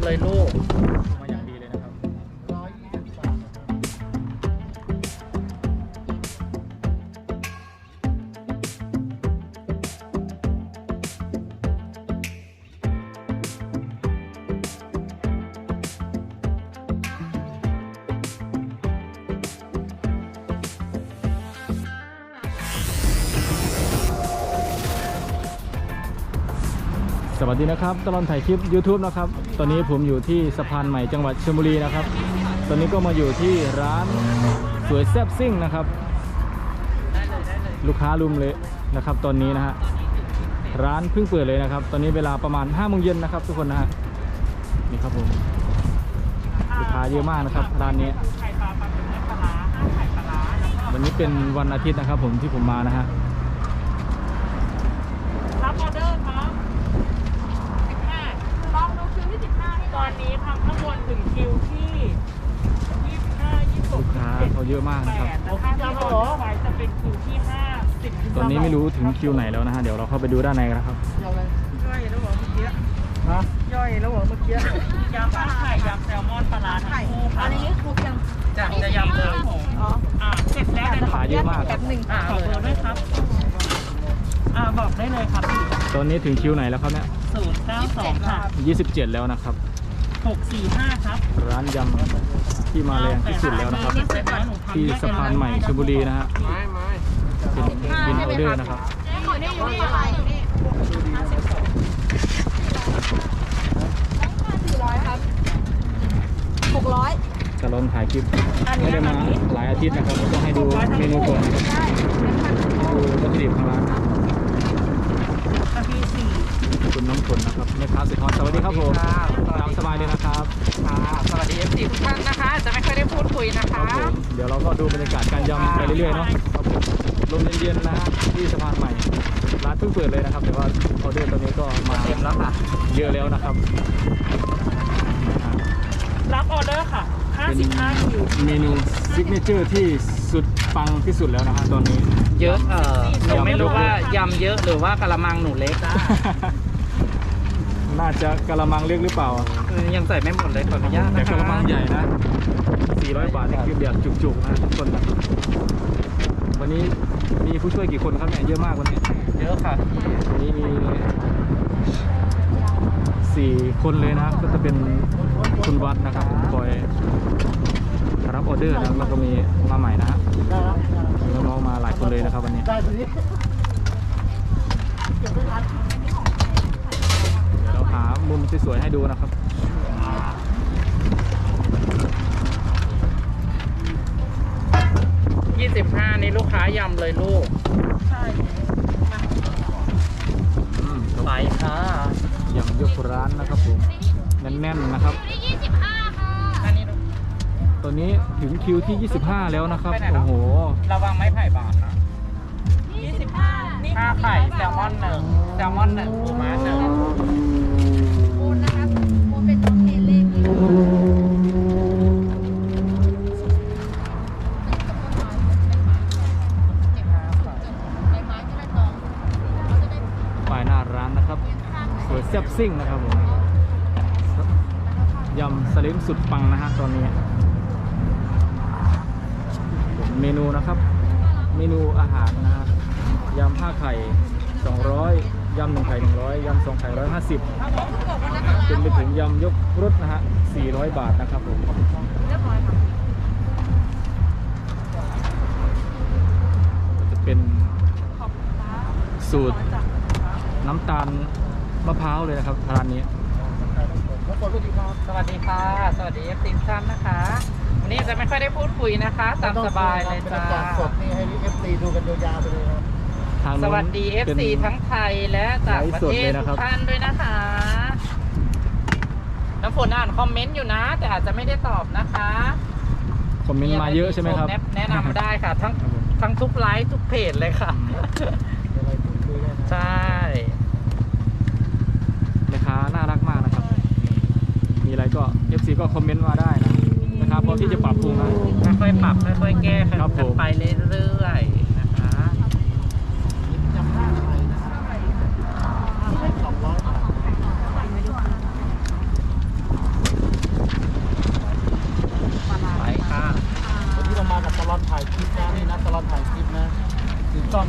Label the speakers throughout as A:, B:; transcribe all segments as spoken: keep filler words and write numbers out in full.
A: ำเลยลูก
B: มาอย่างดีเลยนะครับสวัสดีนะครับตลอดถ่ายคลิป YouTube นะครับตอนนี้ผมอยู่ที่สะพานใหม่จังหวัดชลบุรีนะครับตอนนี้ก็มาอยู่ที่ร้านสวยแซ่บซิ่งนะครับลูกค้ารุมเลยนะครับตอนนี้นะฮะร้านเพิ่งเปิดเลยนะครับตอนนี้เวลาประมาณห้าโมงเย็นนะครับทุกคนนะฮะนี่ครับผมลูกค้าเยอะมากนะครับร้านนี้วันนี้เป็นวันอาทิตย์นะครับผมที่ผมมานะฮะ
C: รับออเดอร์ครับสิบห้าลองดูคิวที่สิบห้าตอนนี้ทำข้างบนถึงคิวที่ยี่สิบห้า ยี่สิบหก
B: ลูกค้าเขาเยอะมากนะครับ
C: แต่ถ้าที่เราไว้จะเป็นคิวที่ห้าสิบ
B: ตอนนี้ไม่รู้ถึงคิวไหนแล้วนะฮะเดี๋ยวเราเข้าไปดูด้านในกันนะครับ
C: ย่อยแล้วเหรอเมื่อกี้ฮะย่อยแล้วเหรอเมื่อกี้ยำข้าวไข่ยำแซลมอนปลาร้าทั้งคู่ค่ะอันนี้ครบยังจะจะยำเลยอ๋ออ่าเสร็จแล้ว
B: ขายเยอะมาก
C: แบบหนึ่งอ่าขอเบอร์ด้วยครับอ่าบอกได้เลยครับ
B: ตอนนี้ถึงคิวไหนแล้วครับเนี่ย
C: ศูนย์เก้าสองค่ะ
B: ยี่สิบเจ็ดแล้วนะครับ
C: หกสี่ห้าครับ
B: ร้านยำที่มาแรงที่สุดแล้วนะครับที่สะพานใหม่ชลบุรีนะฮะเป็นบินออเดอร์นะครับ
C: อยู่นี่อยู่นี่อยู่นี่สี่ร้อยครับหกร้อย
B: จะลองถ่ายคลิปไม่ได้มาหลายอาทิตย์นะครับต้องให้ดูเมนูก่อนนะครับดูวัตถุดิบของร้านคุณน้ำฝนนะครับแม่ค้าสุดฮอตสวัสดีครับผมตามสบายเลยนะครับ
C: สวัสดีเอฟซีทุกท่านนะคะจะไม่ค่อยได้พูดคุยนะคะ
B: เดี๋ยวเราก็ดูบรรยากาศการยำไปเรื่อยๆเนาะลมเย็นๆนะฮะที่สะพานใหม่ร้านเพิ่งเปิดเลยนะครับแต่ว่าออเดอร์ตอนนี้ก็มาเต็มแล้วค่ะเยอะแล้วนะครับ
C: รับออเดอร์ค่ะห้าสิบห้าคิว
B: เมนูซิกเนเจอร์ที่สุดปังที่สุดแล้วนะฮะตอนนี้
A: เยอะเออหนูไม่รู้ว่ายำเยอะหรือว่ากะละมังหนูเล็ก
B: น่าจะกะละมังเล็กหรือเปล่า
A: ยังใส่ไม่หมดเลยขออนุญาตนะ
B: แต่กะละมังใหญ่นะสี่ร้อยบาทนี่คือแบบจุกๆนะทุกคนวันนี้มีผู้ช่วยกี่คนครับเนี่ยเยอะมากวันนี้
A: เยอะค่ะ
B: วันนี้มีสี่คนเลยนะก็จะเป็นคุณวัดนะครับคอยรับออเดอร์นะแล้วก็มีมาใหม่นะฮะน้องๆมาหลายคนเลยนะครับวันนี้เราหามุมสวยๆให้ดูนะครับ
A: ยี่สิบห้านี่ลูกค้ายำเลยลูกใช่ไปค่ะ
B: ยำยกร้านนะครับผมแน่นๆนะครับตอนนี้ถึงคิวที่ยี่สิบห้าแล้วนะครับโอ้โห
A: ระวังไม้ไผ่บาดนะ
C: ยี่สิบห้า
A: ห้าไข่แซลมอนหนึ่งแซลมอนหนึ่งปูม้าหนึ่ง
C: ปูนะครับปูเป็นตัวเทเล็ก
B: ป้ายหน้าร้านนะครับสวยแซ่บซิ่งนะครับผมยำสลิมสุดปังนะฮะตอนนี้เมนูนะครับเมนูอาหารนะฮะยำห้าไข่สองร้อยยำหนึ่งไข่หนึ่งร้อยยำสองไข่ร้อยห้าสิบจนไปถึงยำยกรสนะฮะสี่ร้อยบาทนะครับผมจะเป็นสูตรน้ำตาลมะพร้าวเลยนะครับร้านนี้
A: สวัสดีครับสวัสดีค่ะสวัสดีเอฟซีท่านนะคะวันนี้จะไม่ค่อยได้พูดคุยนะคะตามสบายเลยจ้า
D: สดนี่ให้เอฟซีดูกันยาวๆไปเลยครับ
A: สวัสดี เอฟ ซี ทั้งไทยและต่างประเทศทุกท่านด้วยนะคะน้ำฝนอ่านคอมเมนต์อยู่นะแต่อาจจะไม่ได้ตอบนะคะ
B: คอมเมนต์มาเยอะใช่ไหมครับ
A: แนะนำได้ค่ะทั้งทั้งทุกไลฟ์ทุกเพจเลยค่ะใช่
B: แม่ค้าน่ารักมากนะครับมีอะไรก็ เอฟ ซี ก็คอมเมนต์มาได้นะนะครับพร้อมที่จะปรับปรุงนะ
A: ค่อยๆปรับค่อยๆแก้กันไปเรื่อยๆนะคะ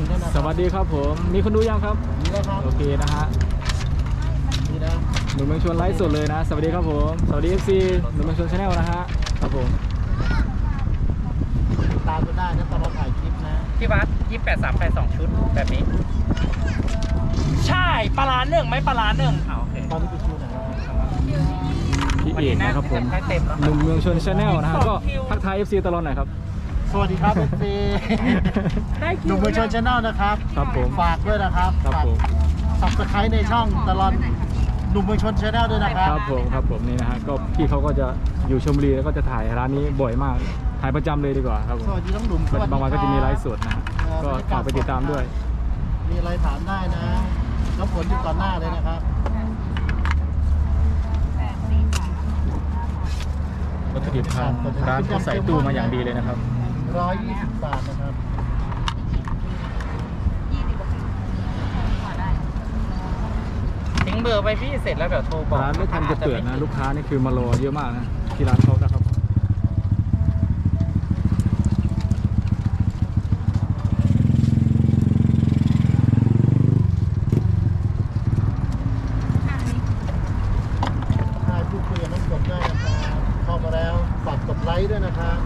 D: นึ่งด้วยนะ
B: สวัสดีครับผมมีคนดูยังครับ
D: นี่แล้วครับ
B: โอเคนะฮะ
D: นี่นะ
B: หนุ่มเมืองชนไลฟ์สดเลยนะสวัสดีครับผมสวัสดี เอฟ ซี หนุ่มเมืองชนชาแนลนะฮะครับผม
D: ติดตามกันได้นะตอนเราถ่ายคลิปนะ
A: พี่วัดยี่แปดสามแปดสองชุดแบบนี้
C: ใช่ปลาร้าหนึ่งไม่ปลาร้าหนึ่ง
A: อ่าโอเค
D: ตอนนี้ไปคิวไหน
B: พี่เอกนะครับผม
A: ให้เต็มแล้ว
B: หนุ่มเมืองชนชาแนลนะฮะก็ทักทาย เอฟ ซี ตลอดหน่อยครับ
D: สวัสดีครับเอฟซี
C: ได้คิว
D: หนุ่มเมืองชนชาแนลนะครับ
B: ครับผม
D: ฝากด้วยนะครับ
B: ครับ
D: ฝาก
B: ผม
D: สับสไครต์ในช่องตลอดหนุ่มเมืองชนชาแนลด้วยนะค
B: ค
D: รั
B: รั
D: บบ
B: ผมครับผมนี่นะฮะก็พี่เขาก็จะอยู่ชลบุรีแล้วก็จะถ่ายร้านนี้บ่อยมากถ่ายประจำเลยดีกว่าครับผม
D: สวัสดีน้องหนุ่มสวัสดี
B: บางวันก็จะมีไลฟ์สดนะฮะ
D: เอ่อ
B: ก็ฝากไปติดตามด้วย
D: มีอะไรถามได้นะน้ำฝนอยู่ก่อนหน้าเลยนะครับ
B: วัตถุดิบทางร้านเขาใส่ตู้มาอย่างดีเลยนะครับ
D: ร้อยยี่สิบบาทนะครับ
A: ทิ้งเบอร์ไปพี่เสร็จแล้วเดี๋ยวโทรบอก
B: ร้านไม่ทันจะเปิดนะลูกค้านี่คือมารอเยอะมากนะที่ร้านเขานะครับ
D: ถ่ายพูดคุยกับน้องฝนได้นะครับเข้ามาแล้วฝากกดไลค์ด้วยนะครับ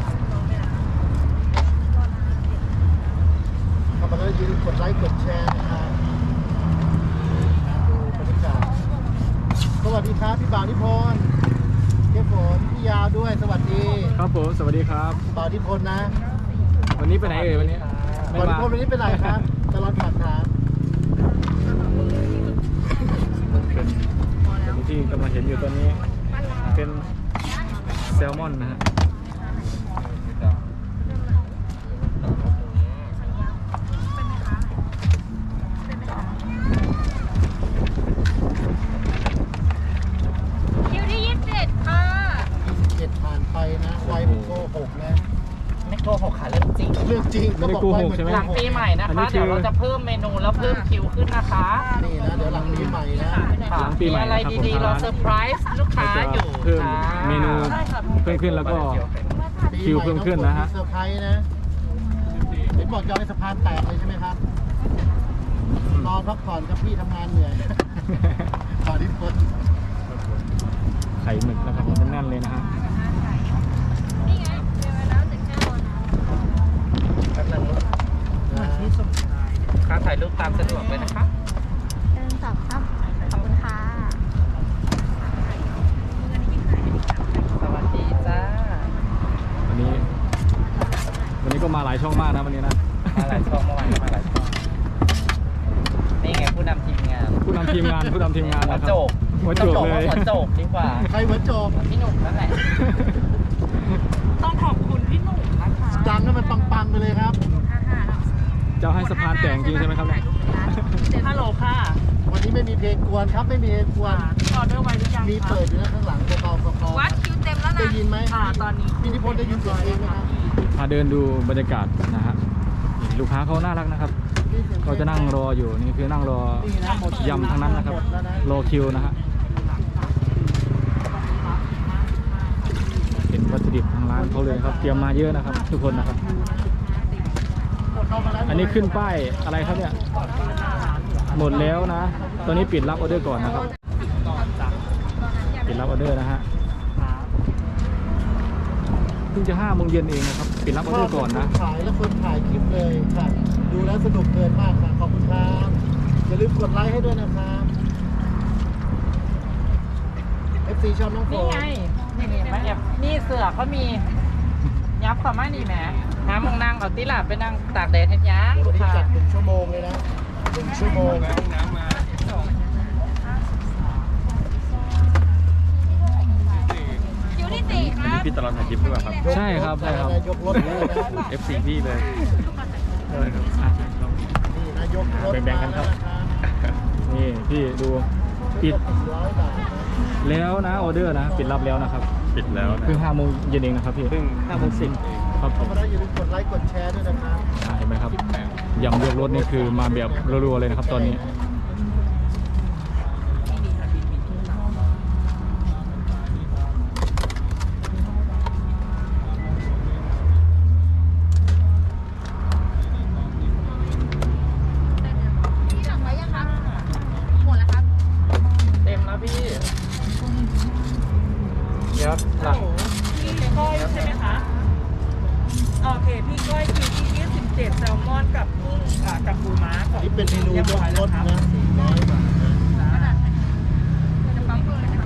D: เข้ามาแล้วอย่าลืมกดไลค์กดแชร์นะครับดูบรรยากาศสวัสดีครับพี่บ่าวนิพนธ์เจ้าฝนพี่ยาวด้วยสวัสดี
B: ครับผมสวัสดีครับ
D: บ่าวนิพนธ์นะ
B: วันนี้ไปไหนเอ่ยวันนี้ไม่
D: บ่าวนิ
B: มา
D: พนธ์วันนี้เป็นไรครับตลอดผ่านทาง
B: เป็นที่กำลังเห็นอยู่ตอนนี้ เป็นแซลมอนนะฮะ
E: คิวที่ยี่สิบเจ็ดค่ะ
D: ยี่สิบเจ็ดผ่านไปนะไวเหมือนโกหกนะ
A: ไม่โทรหกขาเรื่องจริง
D: เรื่องจริง
B: ไม่ได้โกหกใช่ไหม
A: หลังปีใหม่นะ
B: อันนี้
A: คะ
B: คือ
A: เดี๋ยวเราจะเพิ่มเมนูแล้วเพิ่มคิวขึ้นนะคะ
D: นี่นะเดี๋ยวหลังปีใหม่นะ
B: หลังปีใหม่
A: มีอะไร
B: นะครับผม
A: ดีๆเราเซอร์ไพรส์ลูกค้า
B: จะ
A: อยู่
B: เพิ่ม
A: ค่ะ
B: เมนูเพิ่มขึ้นแล้วก็ คิวเพิ่มขึ้นนะฮะ
D: เซอร์ไพรส์นะเห็นบอกจะเอาให้สะพานแตกเลยใช่ไหมครับนอนพักผ่อนครับพี่ทำงานเหนื่อยขอที่ฝน
B: ไข่หมึกนะครับผมแน่นๆเลยนะฮะ
E: นี่ไงเดี๋ยวแล้วจะแก้วนะ
A: แป๊บนึง
D: นะ
A: ค่าถ่ายรูปตามสะดวกเลยนะคะ
E: หนึ่งสองสามขอบคุณค่ะ
A: สวัสดีจ้า
B: วันนี้ วันนี้ก็มาหลายช่องมากนะวันนี้นะ
A: มาหลายช่องเมื่อวานก็มาหลายช่องนี่ไงผู้นำทีมงาน
B: ผู้นำทีมงานผู้นำทีมงาน
A: หัว
B: นะครับ
A: โจก
B: หัวโจก
A: ต้องบอ
B: เลย
A: ว่าหัวโจกดีกว่า
D: ใครหัวโจม
A: พี่หนุ่มนั่นแหละ
C: ต้องขอบคุณพี่หนุ่มนะคะ
D: ดังให้มันปังๆไปเลยครับ
B: เจ้าให้สะพานแต่งจริงใช่ไหมครับเนี่ย
C: ฮัลโหลค่ะ
D: วันนี้ไม่มีเพลงกวนครับไม่มีเพลงกวน
C: ออเดอร์ไว้หรือยัง
D: มีเปิดอยู่นะข้างหลังเบาๆคอ
E: วัดคิวเต็มแล้ว
D: ๆได้
E: นะ
D: ยินไหม
C: อ่าตอนนี้
D: พี่นิพนธ์ได้ยินเสียงเพลงไหมครับ
B: พาเดินดูบรรยากาศนะฮะนี่ลูกค้าเขาน่ารักนะครับเขาจะนั่งรออยู่นี่คือนั่งรอ
D: นี่นะหมด
B: ยำทั้งนั้นนะครับ
D: หมดแล้วนะ
B: รอคิวนะฮะเห็นวัตถุดิบทางร้านเขาเลยนะครับเตรียมมาเยอะนะครับ ทุกคนนะครับ อันนี้ขึ้นป้ายอะไรครับเนี่ยหมดแล้วนะ ตอนนี้ปิดรับออเดอร์ก่อนนะครับปิดรับออเดอร์นะฮะเพิ่งจะห้าโมงเย็นเองนะครับปิดรับออเดอร์ก่อนนะ
D: ถ่ายแล้วคนถ่ายคลิปเลยค่ะดูแล้วสนุกเกินมากค่ะขอบคุณครับอย่าลืมกดไลค์ให้ด้วยนะครับ เอฟ ซี ชอบน้องโฟ
A: นี่ไง นี่นี่มาแอบนี่เสือเขามียับเขามานี่แหมหามองนางเอาติหลับไปนั่งตากแดดเห็นยัง
D: วันนี้
A: ค่ะ
D: จัดหนึ่งชั่วโมงเลยนะหนึ่งชั่วโมง
E: คิวที่สี่ครับ
F: พี่ตลอดถ่ายคลิปด้วยครับ
B: ใช่ครับใช่ครับ
D: ยกรถเลยนะ
F: เอฟ ซี พี่เลย
B: อ่ะ
D: นี่นะยกรถ
B: แบ่งๆกันครับ นี่พี่ดูปิด
D: ร้อยบาทนะ
B: แล้วนะออเดอร์นะปิดรับแล้วนะครับ
F: ปิดแล้วนะ
B: เพิ่งห้าโมงเย็นเองนะครับพี่
F: เพิ่งห้าโมงสิบ
B: ครับผ
D: เข้าม มาแล้วอย่าลืมกดไลค์กดแชร์ด้วยนะครับ
B: อ่ะเห็นไหมครับยำเลือกรถนี่คือมาแบบรัวๆเลยนะครับตอนนี้
D: เป็นเมนูยกรสนะสี่ร้อยบาทนะ
E: จะปั๊มเพิ่มนะคะ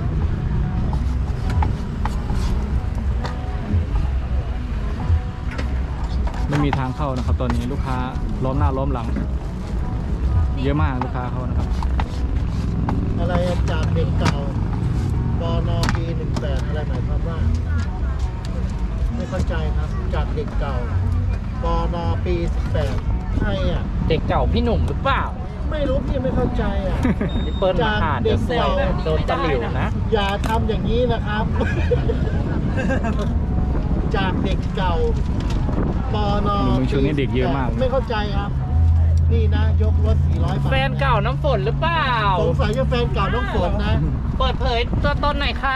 B: ไม่มีทางเข้านะครับ ตอนนี้ลูกค้าล้อมหน้าล้อมหลัง เยอะมากลูกค้าเขานะครับ
D: อะไรจากเด็กเก่าปนปีหนึ่งแปดอะไรหมายความว่า ไม่เข้าใจครับ จากเด็กเก่าปนปีสิบแปดใครอ่ะ
A: เด็กเก่าพี่หนุ่มหรือเปล่า
D: ไม่รู้พี่ไม่เข้าใจอ่ะ
A: พี่เปิ้ลมาอ่านเดี๋ยวเซลโดนตะหลิวนะ
D: อย่าทำอย่างนี้นะครับ จากเด็กเก่าปน
B: หนุ่มช่วงนี้เด็กเยอะมาก
D: ไม่เข้าใจครับ นี่นะ ยกรถสี่ร้อยบาท
A: แฟนเก่าน้ำฝนหรือเปล่า
D: สงสัยจะแฟนเก่าน้องฝนนะ
A: เปิดเผยตัวตนหน่อยค่ะ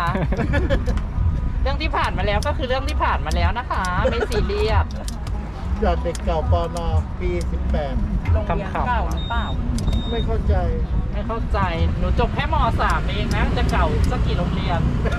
A: เรื่องที่ผ่านมาแล้วก็คือเรื่องที่ผ่านมาแล้วนะคะ ไม่ซีเรียส
D: จากเด็กเก่าปนปีสิบแปด
C: โรงเรียนเก่าหรือเปล่า
D: ไม่เข้าใจ
A: ไม่เข้าใจ หนูจบแค่ม .สาม เองนะ จะเก่าสักกี่โรงเรียน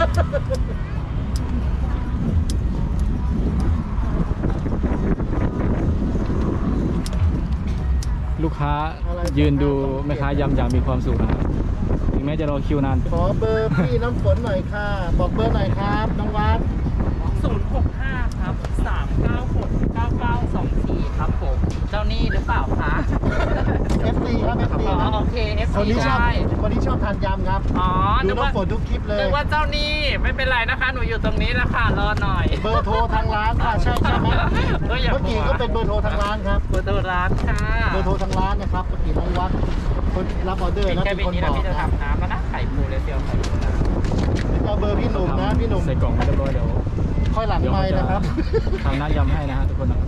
B: ลูกค้ายืนดูแม่ค้ายำอย่างมีความสุขนะครับถึงแม้จะรอคิวนาน
D: ขอเบอร์พี่น้ำฝนหน่อยค่ะ บอกเบอร์หน่อยครับน้องวัด
A: ศูนย์ หก ห้า ครับ สาม เก้า หก เก้า เก้า สอง สี่ ครับผม เจ้านี่หรือเปล่าคะ
D: เอฟซีครับเอฟซี
A: อ๋อ
D: ครับ
A: โอเค เอฟ
D: คน
A: ซี
D: นี้ชอบ
A: ได้
D: คนนี้ชอบทานยำครับ
A: อ๋อ
D: ดู
A: นึกว่า
D: น้ำฝนทุกคลิปเลย
A: นึกว่าเจ้านี่ไม่เป็นไรนะคะ หนูอยู่ตรงนี้แล้วค่ะ รอหน่อย
D: เบอร์โทรทางร้านค่ะใช่ใช่ไหม
A: เอออย่า
D: เมื่อกี้ก็เป็นเบอร์โทรทางร้านครับ
A: เบอร์โทรร้านค่ะ
D: เบอร์โทรทางร้านนะครับเมื่อกี้น้องวัดคนรับออเดอร์
A: ปิด
D: นะ
A: แค่
D: เป็น
A: บิน
D: คน
A: นี้
D: บ
A: แล้ว
D: อก
A: พี่จะ
D: นะ
A: ทำน้ำแล้วนะไข่ปูเลยเซียวไข่ปูนะ
D: เอาเบอร์พี่หนุ่มนะพี่หนุ่ม
B: ใส่กล่องมาเรียบร้อยเดี๋ยว
D: ค่อยหลัง
B: เดี๋ยว
D: ไม
B: เขา
D: ค์
B: จะ
D: นะครับ
B: ทำน้ำยำให้นะฮะทุกคนนะครับ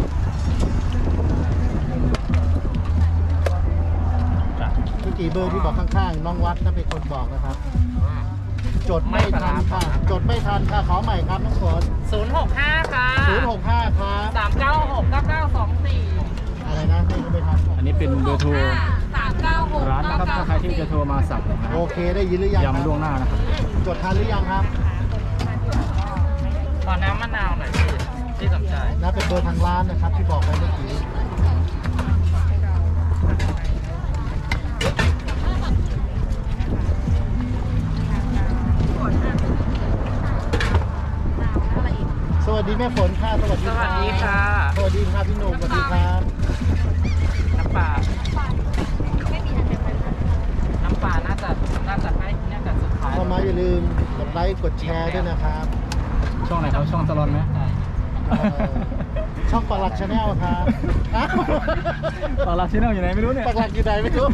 B: จ้ะ
D: เมื่อกี้เบอร์ที่บอกข้างๆน้องวัดนะเป็นคนบอกนะครับ จดไม่ทันค่ะ จดไม่ทันค่ะขอใหม่ครับน้องฝน
A: ศูนย์ หก ห้า ค่ะ
D: ศูนย์หกห้าครับ
A: สาม เก้า หก เก้า เก้า สอง สี่
D: อะไรนะไม่ไม่ทัน
B: อันนี้เป็นเบอร์โทร
E: สามเก้าหก
B: ร้านนะครับถ้าใครที่จะโทรมาสั่งนะ
D: โอเคได้ยินหรือยังครับ
B: ยำล่วงหน้านะครับ
D: จดทันหรือยังครับ
A: ขอน้ำมะนาวหน่อยพี่ที่สนใจ
D: นะเป็นเบอร์ทางร้านนะครับที่บอกไปเมื่อกี้ สวัสดีแม่ฝนค่ะสวัสดี
A: สวัสดีค่ะ
D: สวัสดีครับพี่หนุ่มสวัสดีครับ
A: น้ำปลา
E: ไม่มีอันเป็นไร
A: น้ำปลาน่าจะน่าจะให้น่าจะสุดท้าย
D: เข้ามาอย่าลืมกดไลค์กดแชร์ด้วยนะครับ
B: ช่องไหนครับช่องตลอนไหม
D: เอ่อช่องปลักชาแนลครับอ้าว
B: ตลาดที่นั่งอยู่ไหนไม่รู้เนี่ย
D: ปลักอยู่ไหนไม่รู้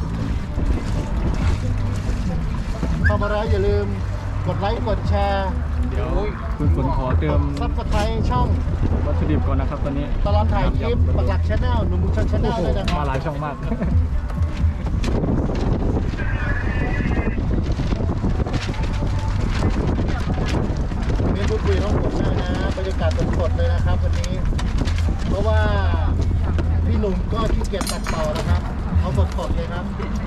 D: เข้ามาแล้วอย่าลืมกดไลค์กดแชร์
B: เดี๋ยวคุณฝนขอเติม
D: ซับสไครต์ช่อง
B: วัตถุดิบก่อนนะครับตอนนี้
D: ตลอดถ่ายคลิปปลักชาแนลหนุ่มบุญชนชาแน
B: โอ้
D: ล
B: โห
D: ด้วยนะครั
B: มา
D: บ
B: หลายช่องมาก
D: มีพูดคุยน้องผมด้วยนะบรรยากาศสดๆเลยนะครับวันนี้ เพราะว่าพี่หนุ่มก็ขี้เกียจตัดต่อนะครับ เอาสดๆเลยครับ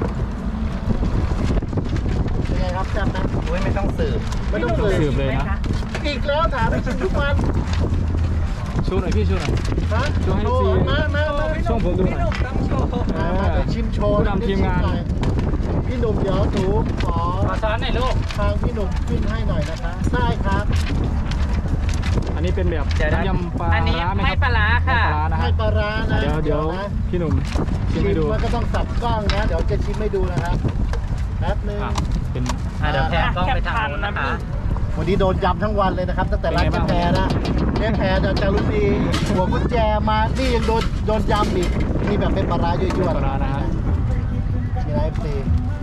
D: เป็นไงครับแซ่บนะ
A: อุ้ยไม่ต้องสืบ
D: ไม่ต้องสื
B: สืบบ เลยนะ
D: อีกแล้วถามไปชิมทุกวัน
B: ชูหน่อยพี่ชูหน่อย
D: ฮะ
B: โชว์ให้
D: โช
B: ฟรี
D: ว์มามามา
B: ช่วงผมดูหน่อย
A: ต้องโชว์
D: มามาเดี๋ยวชิมโชว์
B: ผู้นำทีมงาน
D: หน่อยพี่หนุ่มเดี๋ยวหนูขอ
A: ขอช้อนหน่อยลูก
D: ทางพี่หนุ่มขึ้นให้หน่อยนะคะได้ครับ
B: อันนี้เป็นแบบ
A: เดี๋ยวนะ
B: น้ำยำปลา
A: อันนี้
B: ร้าไหมครับ
A: ไม่ปลาร้าค่ะ
B: ไม่ปลาร้านะ
D: ให้
B: ฮะ
D: ปลาร้านะ
B: เดี๋ยวเดี๋ยว
D: นะ
B: พี่หนุ่มชิ
D: ชิ
B: ม
D: ม
B: ให้ดู
D: มันก็ต้องสับกล้องนะ เดี๋ยวจะชิมให้ดูนะครับแป๊บนึง
B: อ่ะเป็น
A: อ่ะเดี๋ยวแพนกล้องไปทางนู้นนะคะ
D: วันนี้โดนยำทั้งวันเลยนะครับ ตั้งแต่ร้าน
B: เป็นไง
D: เจ๊
B: บ้าง
D: แพรนะเจ๊แพรเดี๋ยวจะรู้ดีหัวกุญแจมานี่ยังโดนโดนยำอีกนี่แบบเป็นปลาร้ายั่วๆ
B: ปลาร้านะฮะ
D: มีไรฟรี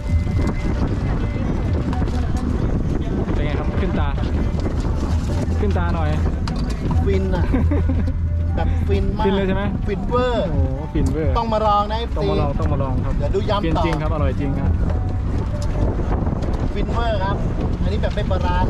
B: เป็นไงครับขึ้นตา ขึ้นตาหน่อย
D: ฟินอ่ะ แบบฟินมาก
B: ฟินเลยใช่ไหม
D: ฟินเวอร์
B: โอ้โหฟินเวอร์
D: ต้องมาลองนะเอฟ
B: ต้อง
D: ซี
B: มาลองต้องมาลองครับ
D: เดี๋ยวดูยำ
B: ฟิน
D: ต่อ
B: จริงครับอร่อยจริงครับ
D: ฟินเวอร์ครับ อันนี้แบบเป็นปลาร้านะ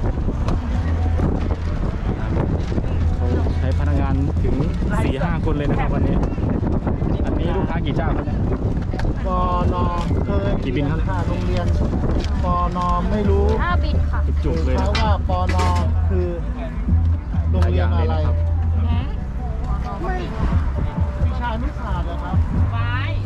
B: เขาใช้พนักงานถึง สี่ห้า คนเลยนะครับวันนี้ อันนี้ลูกค้ากี่เจ้าครับเนี่ย
D: ปอนอเคย
B: กี่บินครับ
D: ค่ะโรงเรียนปอนอไม่รู้
E: ห้าบินค่ะ
B: จุกๆเลย
D: เพ
B: นะ
D: ราะว่าปอนอคือโรงเรียนอะไร
B: หลายอย่างเลยนะครับ
D: ไม่วิชานุศาสตร์เหรอครับ
A: ไว้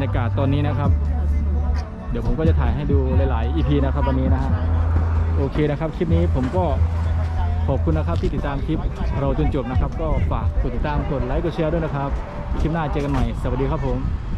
B: รยากาศตอนนี้นะครับ เดี๋ยวผมก็จะถ่ายให้ดูหลายๆ อี พี นะครับวันนี้นะฮะโอเคนะครับคลิปนี้ผมก็ขอบคุณนะครับที่ติดตามคลิปเราจนจบนะครับก็ฝากกดติดตามกดไลค์กดแชร์ด้วยนะครับคลิปหน้าเจอกันใหม่สวัสดีครับผม